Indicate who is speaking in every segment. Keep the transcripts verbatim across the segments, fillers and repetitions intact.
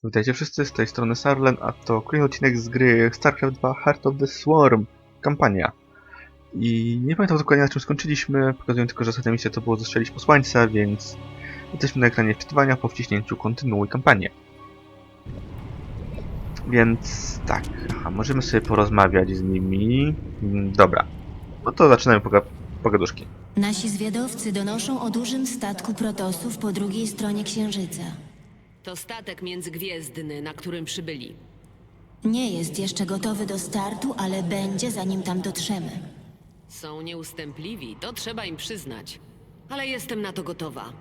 Speaker 1: Witajcie wszyscy, z tej strony Sarlen, a to kolejny odcinek z gry StarCraft dwa Heart of the Swarm, kampania. I nie pamiętam dokładnie na czym skończyliśmy, pokazuję tylko, że ostatnia misja to było zestrzelić posłańca, więc jesteśmy na ekranie wczytywania po wciśnięciu kontynuuj kampanię. Więc tak, aha, możemy sobie porozmawiać z nimi. Dobra, no to zaczynamy poga pogaduszki.
Speaker 2: Nasi zwiadowcy donoszą o dużym statku protosów po drugiej stronie Księżyca.
Speaker 3: To statek międzygwiezdny, na którym przybyli.
Speaker 2: Nie jest jeszcze gotowy do startu, ale będzie, zanim tam dotrzemy.
Speaker 3: Są nieustępliwi, to trzeba im przyznać. Ale jestem na to gotowa.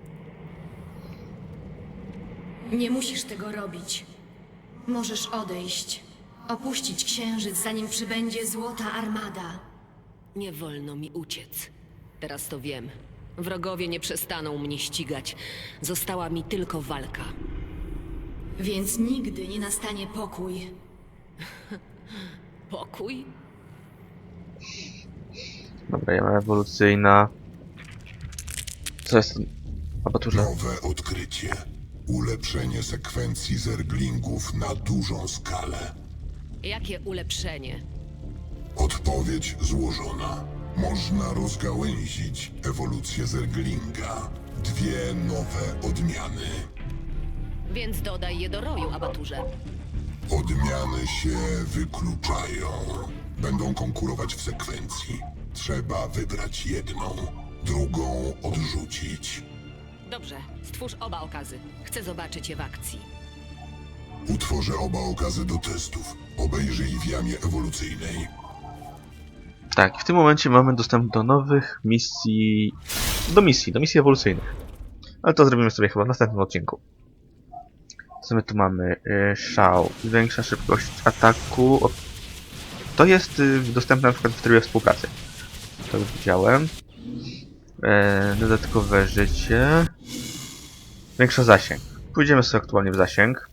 Speaker 4: Nie musisz tego robić. Możesz odejść. Opuścić Księżyc, zanim przybędzie Złota Armada.
Speaker 3: Nie wolno mi uciec. Teraz to wiem. Wrogowie nie przestaną mnie ścigać. Została mi tylko walka.
Speaker 4: Więc nigdy nie nastanie pokój.
Speaker 3: Pokój?
Speaker 1: Dobra, ja mam ewolucyjna. Co jest? Abaturze.
Speaker 5: Nowe odkrycie. Ulepszenie sekwencji zerglingów na dużą skalę.
Speaker 3: Jakie ulepszenie?
Speaker 5: Odpowiedź złożona. Można rozgałęzić ewolucję zerglinga. Dwie nowe odmiany.
Speaker 3: Więc dodaj je do roju, Abaturze.
Speaker 5: Odmiany się wykluczają. Będą konkurować w sekwencji. Trzeba wybrać jedną, drugą odrzucić.
Speaker 3: Dobrze, stwórz oba okazy. Chcę zobaczyć je w akcji.
Speaker 5: Utworzę oba okazy do testów. Obejrzyj w jamie ewolucyjnej.
Speaker 1: Tak, w tym momencie mamy dostęp do nowych misji, do misji, do misji ewolucyjnych. Ale to zrobimy sobie chyba w następnym odcinku. Co my tu mamy? Yy, szał, większa szybkość ataku. O, to jest yy, dostępne na przykład w trybie współpracy. To już widziałem. Yy, dodatkowe życie. Większa zasięg. Pójdziemy sobie aktualnie w zasięg.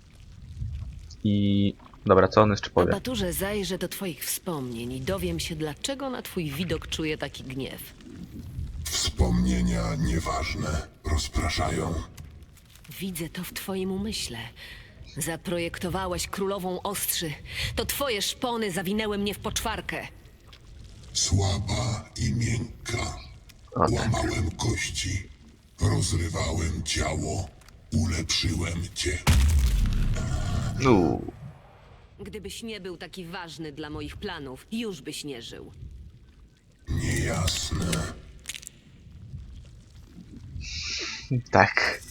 Speaker 1: I... Dobra, co on jeszcze powie?
Speaker 3: Abaturze, zajrzę do twoich wspomnień i dowiem się, dlaczego na twój widok czuję taki gniew.
Speaker 5: Wspomnienia nieważne. Rozpraszają.
Speaker 3: Widzę to w twoim umyśle. Zaprojektowałeś królową ostrzy. To twoje szpony zawinęły mnie w poczwarkę.
Speaker 5: Słaba i miękka.
Speaker 1: O, tak.
Speaker 5: Łamałem kości. Rozrywałem ciało. Ulepszyłem cię.
Speaker 1: Uuu.
Speaker 3: Gdybyś nie był taki ważny dla moich planów, już byś nie żył.
Speaker 5: Niejasne.
Speaker 1: Tak.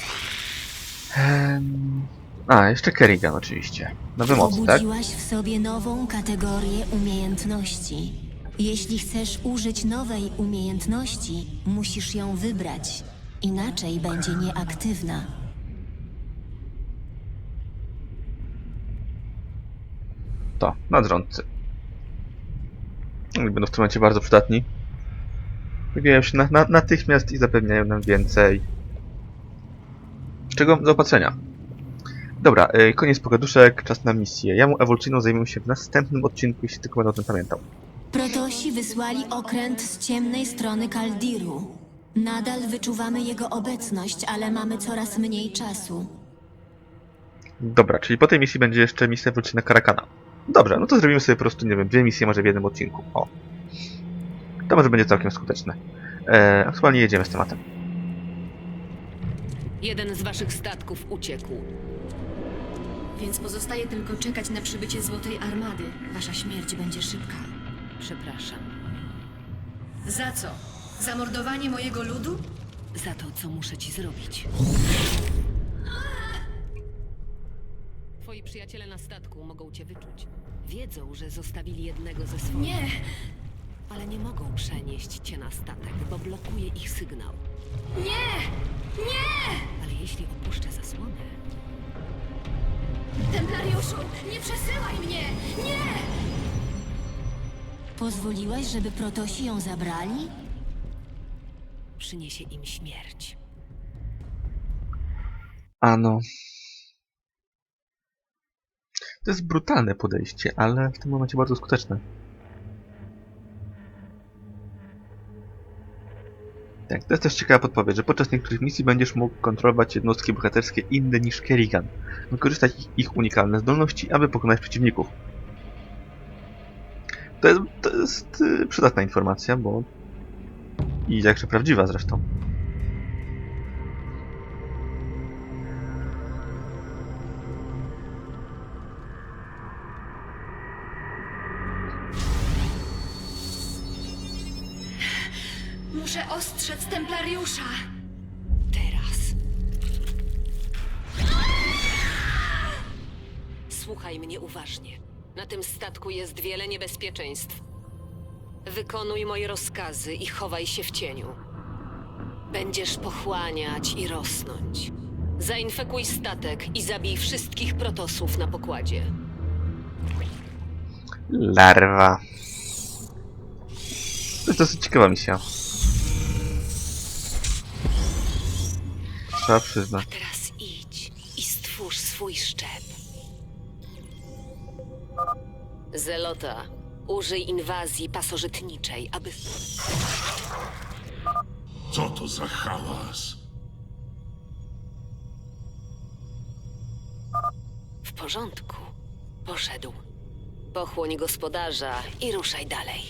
Speaker 1: Ehm... A, jeszcze Kerrigan oczywiście. Nowy moc, tak?
Speaker 2: Obudziłaś w sobie nową kategorię umiejętności. Jeśli chcesz użyć nowej umiejętności, musisz ją wybrać. Inaczej będzie nieaktywna.
Speaker 1: To, nadrządcy. Oni będą w tym momencie bardzo przydatni. Pojawiają się na, na, natychmiast i zapewniają nam więcej. Czego? Zaopatrzenia. Dobra, yy, koniec pogaduszek, czas na misję. Ja mu ewolucyjną zajmę się w następnym odcinku, jeśli tylko będę o tym pamiętał.
Speaker 2: Protosi wysłali okręt z ciemnej strony Kaldiru. Nadal wyczuwamy jego obecność, ale mamy coraz mniej czasu.
Speaker 1: Dobra, czyli po tej misji będzie jeszcze misja ewolucyjna Karakana. Dobrze, no to zrobimy sobie po prostu, nie wiem, dwie misje może w jednym odcinku. O. To może będzie całkiem skuteczne. E, aktualnie jedziemy z tematem.
Speaker 3: Jeden z waszych statków uciekł.
Speaker 4: Więc pozostaje tylko czekać na przybycie Złotej Armady. Wasza śmierć będzie szybka.
Speaker 3: Przepraszam.
Speaker 4: Za co? Zamordowanie mojego ludu?
Speaker 3: Za to, co muszę ci zrobić. Twoi przyjaciele na statku mogą cię wyczuć. Wiedzą, że zostawili jednego ze swoich.
Speaker 4: Nie!
Speaker 3: Ale nie mogą przenieść cię na statek, bo blokuje ich sygnał.
Speaker 4: Nie! Nie!
Speaker 3: Ale jeśli opuszczę zasłonę,
Speaker 4: Templariuszu, nie przesyłaj mnie! Nie!
Speaker 2: Pozwoliłaś, żeby protosi ją zabrali?
Speaker 3: przyniesie im śmierć.
Speaker 1: Ano. To jest brutalne podejście, ale w tym momencie bardzo skuteczne. Tak, to jest też ciekawa podpowiedź, że podczas niektórych misji będziesz mógł kontrolować jednostki bohaterskie inne niż Kerrigan. Wykorzystać ich, ich unikalne zdolności, aby pokonać przeciwników. To jest, to jest yy, przydatna informacja, bo... I jakże prawdziwa zresztą.
Speaker 4: Muszę ostrzec Templariusza.
Speaker 3: Teraz. Słuchaj mnie uważnie. Na tym statku jest wiele niebezpieczeństw. Wykonuj moje rozkazy i chowaj się w cieniu. Będziesz pochłaniać i rosnąć. Zainfekuj statek i zabij wszystkich protosów na pokładzie.
Speaker 1: Larwa. To jest dosyć ciekawa misja. Trzeba przyznać.
Speaker 3: A teraz idź i stwórz swój szczep. Zelota, użyj inwazji pasożytniczej, aby...
Speaker 5: Co to za hałas?
Speaker 3: W porządku. Poszedł. Pochłoń gospodarza i ruszaj dalej.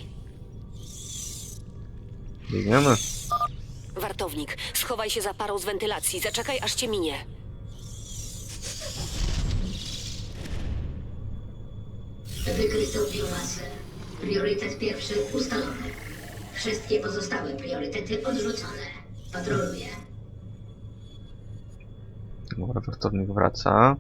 Speaker 1: Biegniemy.
Speaker 3: Wartownik, schowaj się za parą z wentylacji. Zaczekaj, aż cię minie.
Speaker 6: Wykryto biomasę. Priorytet pierwszy ustalony. Wszystkie pozostałe priorytety odrzucone. Patroluję.
Speaker 1: Dobra, wartownik wraca.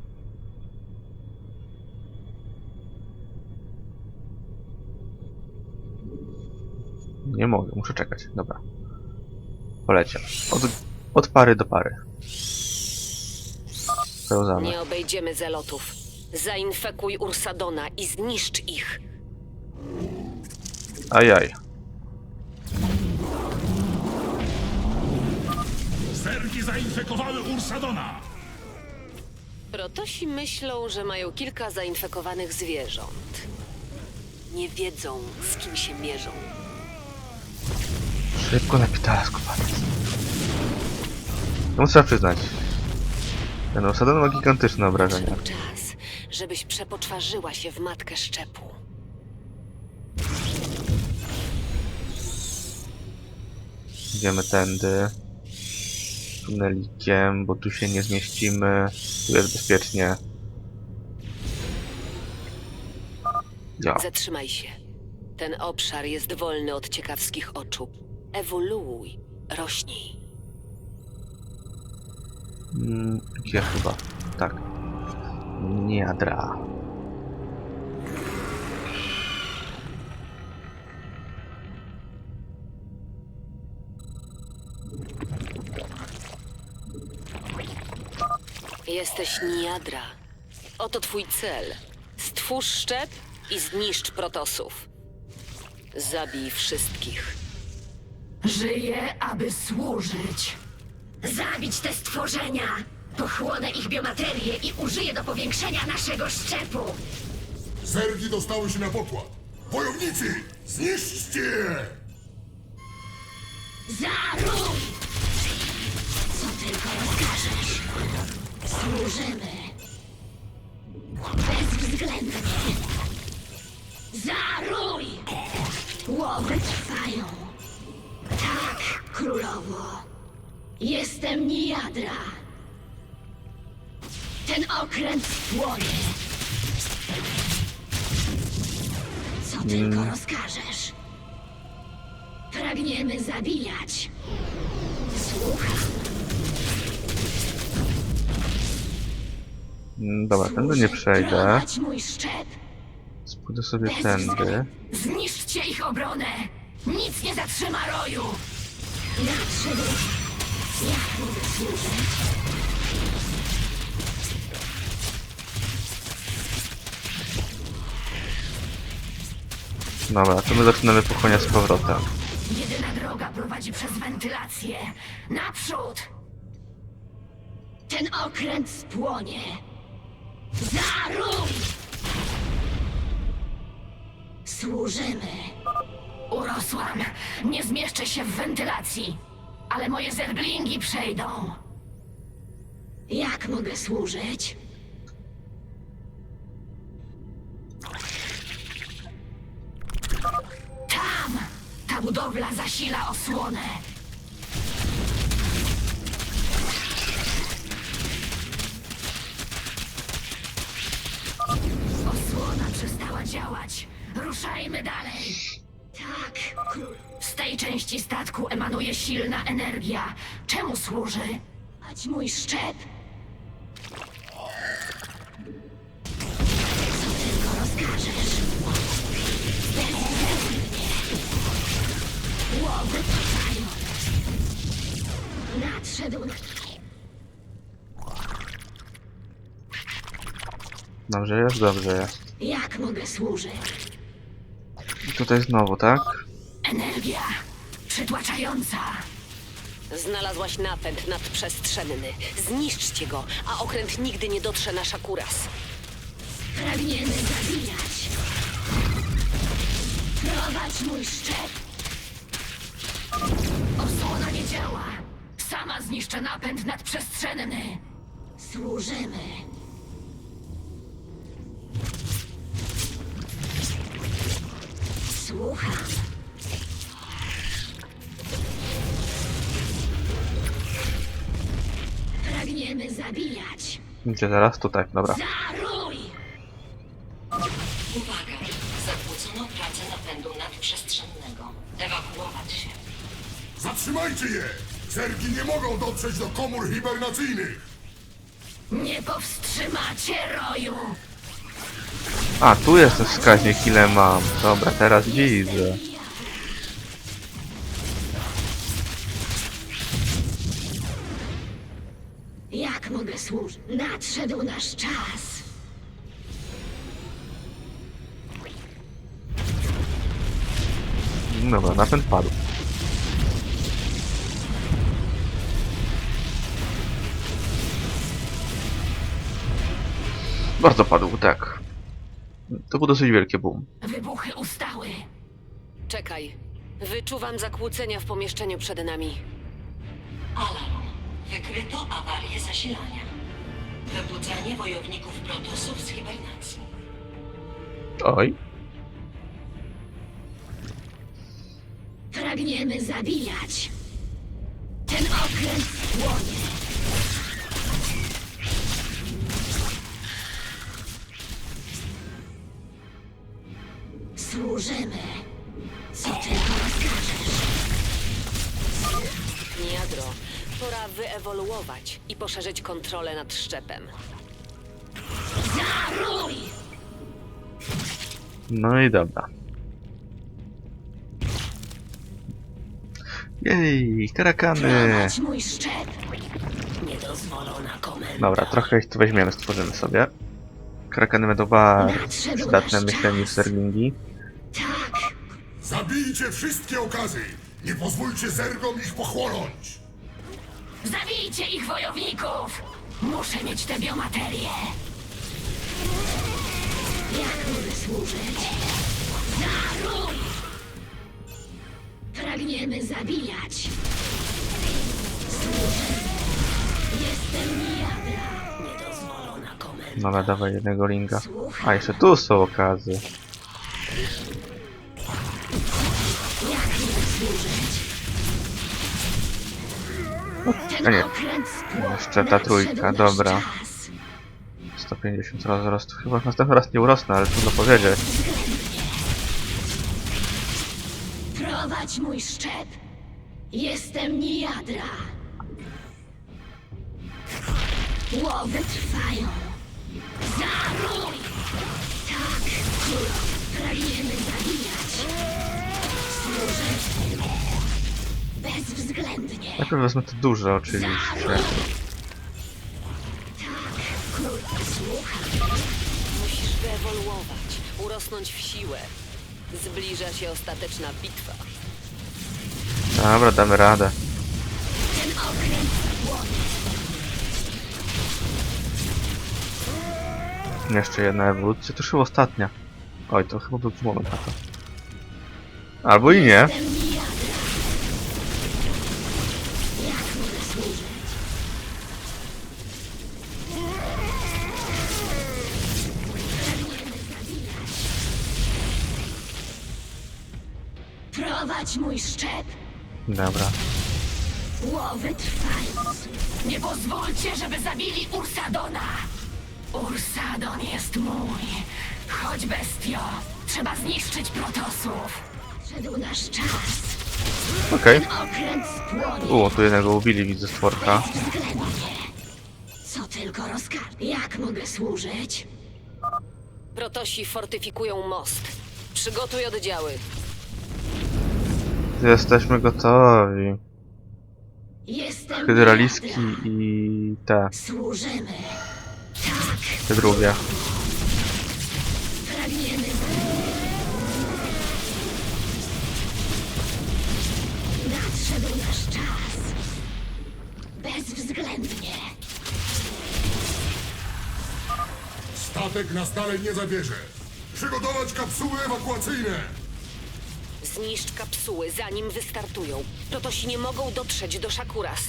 Speaker 1: Nie mogę, muszę czekać. Dobra. Poleciał. Od, od pary do pary. Pełzamy.
Speaker 3: Nie obejdziemy zelotów. Zainfekuj Ursadona i zniszcz ich.
Speaker 1: Ajaj.
Speaker 7: Zergi zainfekowały Ursadona!
Speaker 3: Protosi myślą, że mają kilka zainfekowanych zwierząt. Nie wiedzą, z kim się mierzą.
Speaker 1: Szybko napitala skubaniec. No muszę przyznać. Ten Ursadon ma gigantyczne obrażenia.
Speaker 3: Przyszedł czas, żebyś przepoczwarzyła się w matkę szczepu.
Speaker 1: Idziemy tędy. Tunelikiem, bo tu się nie zmieścimy. Tu jest bezpiecznie. Ja.
Speaker 3: Zatrzymaj się. Ten obszar jest wolny od ciekawskich oczu. Ewoluuj, rośnij.
Speaker 1: Mm, gdzie chyba? Tak. Niadra.
Speaker 3: Jesteś Niadra. Oto twój cel. Stwórz szczep i zniszcz protosów. Zabij wszystkich.
Speaker 6: Żyję, aby służyć. Zabić te stworzenia! Pochłonę ich biomaterię i użyję do powiększenia naszego szczepu!
Speaker 5: Zergi dostały się na pokład. Wojownicy, zniszczcie je!
Speaker 6: Zaruj! Co tylko rozkażesz. Służymy. Bezwzględnie. Zaruj! Łowy trwają. Tak, królowo. Jestem Niadra. Ten okręt spłonie. Co tylko rozkażesz. Pragniemy zabijać. Słucham.
Speaker 1: Mm, Dobra, tędy nie przejdę.
Speaker 6: Prowadź mój szczep.
Speaker 1: Pójdę sobie tędy.
Speaker 6: Zniszczcie ich obronę! Nic nie zatrzyma roju! Nadszedł. Jak mogę służyć?
Speaker 1: Dobra, to my zaczynamy pochłaniać z powrotem.
Speaker 6: Jedyna droga prowadzi przez wentylację. Naprzód! Ten okręt spłonie. Zaruj! Służymy. Urosłam. Nie zmieszczę się w wentylacji. ale moje zerblingi przejdą. Jak mogę służyć? Tam! Ta budowla zasila osłonę. Osłona przestała działać. Ruszajmy dalej. Tak, król. Z tej części statku emanuje silna energia. Czemu służy? Ać mój szczep. Co tylko rozkażesz. Bezwzględnie. Łowy trwają. Nadszedł.
Speaker 1: Dobrze jest, dobrze jest.
Speaker 6: Jak mogę służyć?
Speaker 1: I tutaj znowu, tak?
Speaker 6: Energia przytłaczająca.
Speaker 3: Znalazłaś napęd nadprzestrzenny. Zniszczcie go, a okręt nigdy nie dotrze na Shakuras.
Speaker 6: Pragniemy zabijać. Prowadź mój szczep. Osłona nie działa. Sama zniszczę napęd nadprzestrzenny. Służymy. Słucham. Pragniemy zabijać.
Speaker 1: Gdzie teraz? Tutaj, dobra.
Speaker 6: Zaruj!
Speaker 8: Uwaga! Zakłócono pracę napędu nadprzestrzennego. Ewakuować się.
Speaker 5: Zatrzymajcie je! Zergi nie mogą dotrzeć do komór hibernacyjnych!
Speaker 6: Nie powstrzymacie roju!
Speaker 1: A, tu jest ten wskaźnik, ile mam. Dobra, teraz widzę.
Speaker 6: Jak mogę służyć? Nadszedł nasz czas.
Speaker 1: Dobra, napęd padł. Bardzo padł, tak. To był dosyć wielki boom.
Speaker 6: Wybuchy ustały.
Speaker 3: Czekaj. Wyczuwam zakłócenia w pomieszczeniu przed nami.
Speaker 8: Alarm. Wykryto awarię zasilania. Wybudzenie wojowników Protosów z hibernacji.
Speaker 1: Oj.
Speaker 6: Pragniemy zabijać. Ten okręt płonie. Służymy. Co tylko rozkażesz.
Speaker 3: Niadro, pora wyewoluować i poszerzyć kontrolę nad szczepem.
Speaker 6: Zaruj!
Speaker 1: No i dobra. Jej, karakany!
Speaker 6: Prowadź mój szczep.
Speaker 8: Niedozwolona komenda.
Speaker 1: Dobra, trochę ich tu weźmiemy, stworzymy sobie. Karakany będą bardzo
Speaker 6: Nadszedł
Speaker 1: przydatne,
Speaker 6: nasz
Speaker 1: myślę, niż
Speaker 6: czas.
Speaker 1: serlingi.
Speaker 6: Tak.
Speaker 5: Zabijcie wszystkie okazy! Nie pozwólcie zergom ich pochłonąć!
Speaker 6: Zabijcie ich wojowników! Muszę mieć tę biomaterię. Jak mogę służyć? Zaruj! Pragniemy zabijać. Służę. Jestem niejadra.
Speaker 8: Niedozwolona komenda.
Speaker 1: Dobra, dawaj jednego linka. A, jeszcze tu są okazy.
Speaker 6: Jak mogę służyć?
Speaker 1: A
Speaker 6: Ten
Speaker 1: nie,
Speaker 6: okręt spłonął.
Speaker 1: jeszcze ta trójka,
Speaker 6: Nadszedł nasz
Speaker 1: dobra.
Speaker 6: czas.
Speaker 1: sto pięćdziesiąt rozrostu. Chyba następny raz nie urosnę, ale trudno powiedzieć.
Speaker 6: Prowadź mój szczep. Jestem niejadra. Łowy trwają. Zaruj! Tak, królo. Pragniemy zabijać. Służę. Bezwzględnie.
Speaker 1: Najpierw wezmę to duże, oczywiście.
Speaker 6: Zaruj! Tak, królo. Słucham.
Speaker 3: Musisz wyewoluować, urosnąć w siłę. Zbliża się ostateczna bitwa.
Speaker 1: Dobra, damy radę.
Speaker 6: Ten okręt płonie.
Speaker 1: Jeszcze jedna ewolucja, to już chyba ostatnia. Oj, to chyba był moment na to. Albo i nie.
Speaker 6: Jestem niejadra. Chować mój szczep.
Speaker 1: Dobra.
Speaker 6: Łowy trwają. Nie pozwólcie, żeby zabili Ursadona. Ursadon jest mój. Chodź, bestio. Trzeba zniszczyć protosów. Szedł nasz czas.
Speaker 1: Okej.
Speaker 6: Ten okręt spłonie.
Speaker 1: O, tu jednego ubili, widzę stworka.
Speaker 6: Względnie. Co tylko rozkaz. Jak mogę służyć?
Speaker 3: Protosi fortyfikują most. Przygotuj oddziały.
Speaker 1: Jesteśmy gotowi.
Speaker 6: Jestem
Speaker 1: Hydraliski
Speaker 6: Miradra.
Speaker 1: i te,
Speaker 6: Służymy. Tak.
Speaker 1: te drugie.
Speaker 6: Pragniemy. Nadszedł nasz czas. Bezwzględnie.
Speaker 5: Statek nas dalej nie zabierze. Przygotować kapsuły ewakuacyjne.
Speaker 3: Zniszcz kapsuły, zanim wystartują. Protosi nie mogą dotrzeć do Shakuras.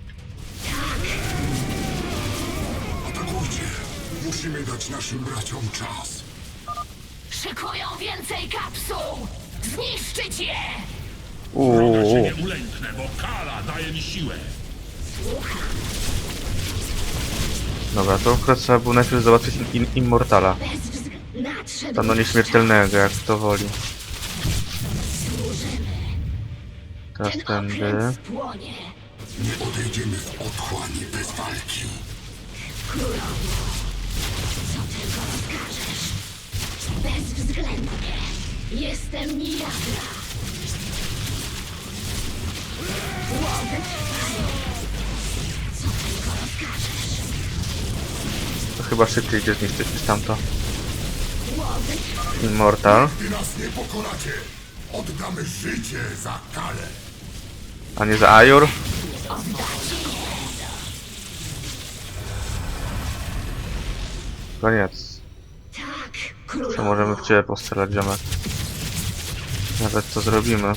Speaker 5: Atakujcie. Musimy dać naszym braciom czas.
Speaker 6: Szykują więcej kapsuł. Zniszczyć je.
Speaker 7: Wroga się
Speaker 1: Uuu,
Speaker 7: nie ulęknę, bo kara daje mi siłę.
Speaker 1: dobra, to akurat trzeba było najpierw zobaczyć in Immortala.
Speaker 6: Bezwzględnie. Nadszedł
Speaker 1: Tam no
Speaker 6: nasz
Speaker 1: nieśmiertelnego, jak to woli.
Speaker 6: Służymy.
Speaker 1: Teraz
Speaker 6: Ten
Speaker 1: tędy.
Speaker 6: okręt spłonie.
Speaker 5: Nie odejdziemy w otchłani bez walki.
Speaker 6: Królowo. Co tylko rozkażesz. Bezwzględnie. Jestem Miradra. Łowy trwają. Co tylko rozkażesz.
Speaker 1: To chyba szybciej idzie zniszczyć niż tamto.
Speaker 6: Łowy trwają.
Speaker 1: Immortal.
Speaker 5: Gdy nas nie pokonacie, oddamy życie za Kalę.
Speaker 1: A nie za Ajur? Koniec.
Speaker 6: Tak,
Speaker 1: To
Speaker 6: królowo.
Speaker 1: możemy w ciebie postrzelać, ziomek. Nawet to zrobimy.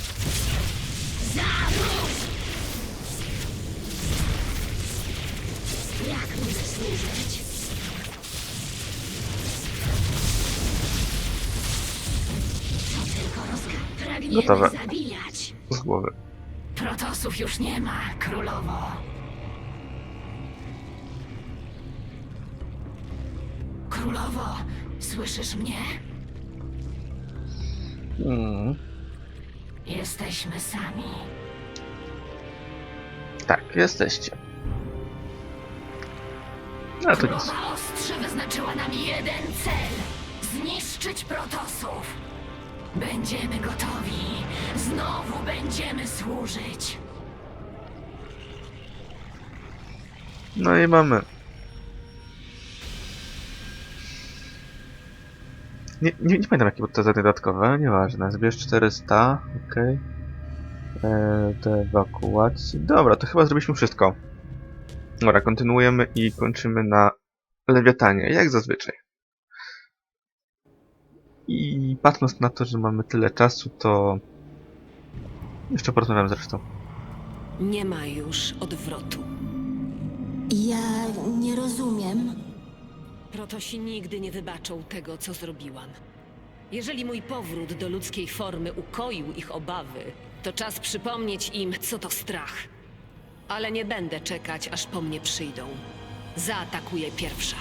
Speaker 6: Jak mogę służyć? Co tylko rozkaz. Pragniemy
Speaker 1: Gotowe.
Speaker 6: zabijać.
Speaker 1: Z głowy.
Speaker 6: Protosów już nie ma, królowo. Królowo, słyszysz mnie?
Speaker 1: Mm,
Speaker 6: Jesteśmy sami.
Speaker 1: tak, jesteście. Ale to nic.
Speaker 6: Królowa Ostrze wyznaczyła nam jeden cel. Zniszczyć protosów. Będziemy gotowi. Znowu będziemy służyć.
Speaker 1: No i mamy. Nie, nie, nie pamiętam jakie były te zadania dodatkowe, nieważne. Zbierz czterysta, okej. Okay. Do ewakuacji. Dobra, to chyba zrobiliśmy wszystko. Dobra, kontynuujemy i kończymy na Lewiatanie, jak zazwyczaj. I patrząc na to, że mamy tyle czasu, to... Jeszcze porozmawiam zresztą.
Speaker 3: Nie ma już odwrotu.
Speaker 2: Ja nie rozumiem.
Speaker 3: Protosi nigdy nie wybaczą tego, co zrobiłam. Jeżeli mój powrót do ludzkiej formy ukoił ich obawy, to czas przypomnieć im, co to strach. Ale nie będę czekać, aż po mnie przyjdą. Zaatakuję pierwsza.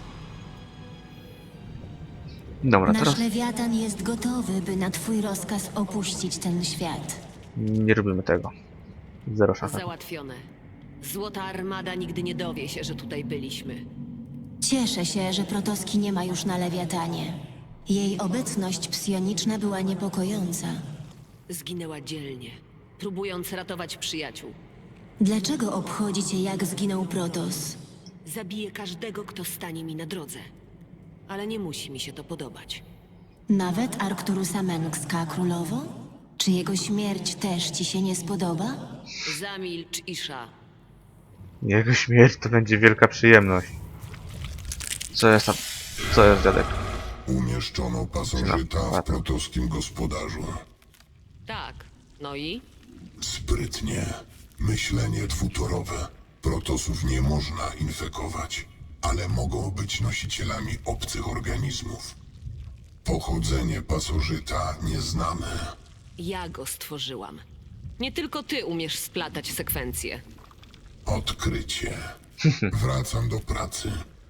Speaker 1: Dobra,
Speaker 2: Nasz
Speaker 1: teraz
Speaker 2: lewiatan jest gotowy, by na twój rozkaz opuścić ten świat.
Speaker 1: nie robimy tego. Zero szans.
Speaker 3: Załatwione. Złota Armada nigdy nie dowie się, że tutaj byliśmy.
Speaker 2: Cieszę się, że Protoski nie ma już na lewiatanie. Jej obecność psioniczna była niepokojąca.
Speaker 3: Zginęła dzielnie, próbując ratować przyjaciół.
Speaker 2: Dlaczego obchodzi cię, jak zginął Protos?
Speaker 3: Zabiję każdego, kto stanie mi na drodze. Ale nie musi mi się to podobać.
Speaker 2: Nawet Arcturusa Mengska, królowo? Czy jego śmierć też ci się nie spodoba?
Speaker 3: Zamilcz, Isha.
Speaker 1: Jego śmierć to będzie wielka przyjemność. Co jest tam? Co jest, dziadek?
Speaker 5: Umieszczono pasożyta
Speaker 1: No,
Speaker 5: w protoskim gospodarzu.
Speaker 3: Tak. No i?
Speaker 5: Sprytnie. Myślenie dwutorowe. Protosów nie można infekować, ale mogą być nosicielami obcych organizmów. Pochodzenie pasożyta nie znamy.
Speaker 3: Ja go stworzyłam. Nie tylko ty umiesz splatać sekwencje.
Speaker 5: Odkrycie. Wracam do pracy.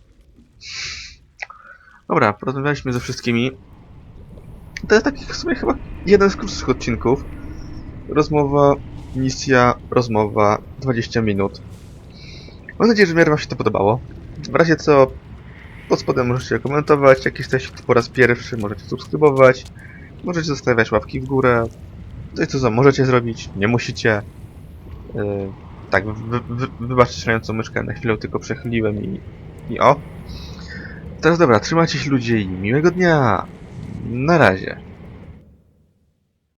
Speaker 1: Dobra, porozmawialiśmy ze wszystkimi. To jest taki w sumie chyba jeden z krótszych odcinków. Rozmowa, misja, rozmowa, dwadzieścia minut. Mam nadzieję, że w miarę wam się to podobało. W razie co, pod spodem możecie komentować, jak jesteście tu po raz pierwszy, możecie subskrybować, możecie zostawiać łapki w górę. To jest to, co możecie zrobić, nie musicie. Yy, tak, wy, wy, wybaczcie szalejącą myszkę, na chwilę tylko przechyliłem i, i o. Teraz dobra, trzymajcie się ludzie i miłego dnia. Na razie.